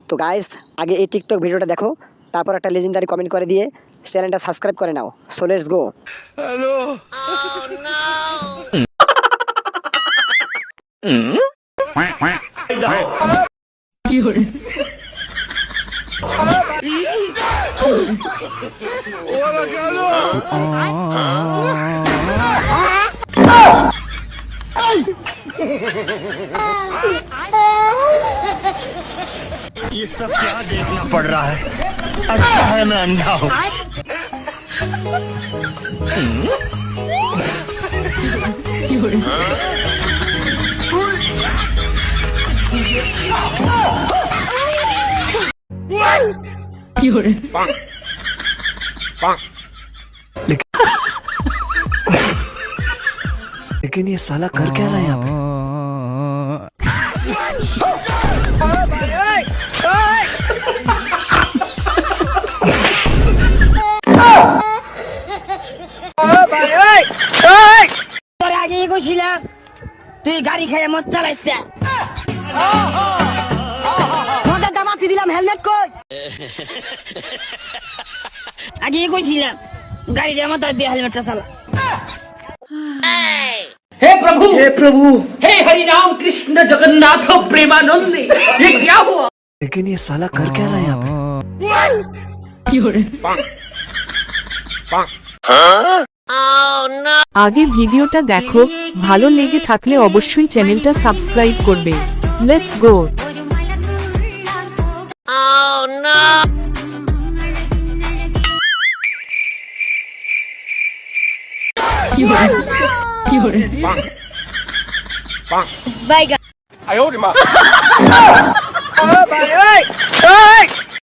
তো গাইস আগে এই টিকটক ভিডিওটা দেখো, তারপর একটা লেজেন্ডারি কমেন্ট করে দিয়ে চ্যানেলটা সাবস্ক্রাইব করে নাও। So let's go. হ্যালো। কি হলো? ওরা গেল। ये सब क्या देखना पड़ रहा है? अच्छा है मैं अंधा हूँ। लेकिन ये साला कर क्या रहा है यहाँ पे? আগে গেছিলাম তুই গাড়ি খেয়ে মদ চালাইছে মদের দামাতি দিলাম হেলমেট কই আগে গেছিলাম গাড়ির মাথা দিয়ে হেলমেটটা চালা हे प्रभु हे हरि राम कृष्ण जगन्नाथ प्रेमानंद ये क्या हुआ? लेकिन ये साला कर क्या रहा है यहाँ पे? আগে ভিডিওটা দেখো, ভালো লেগে থাকলে অবশ্যই চ্যানেলটা সাবস্ক্রাইব করবে। Let's go. বাইগা I owed him up.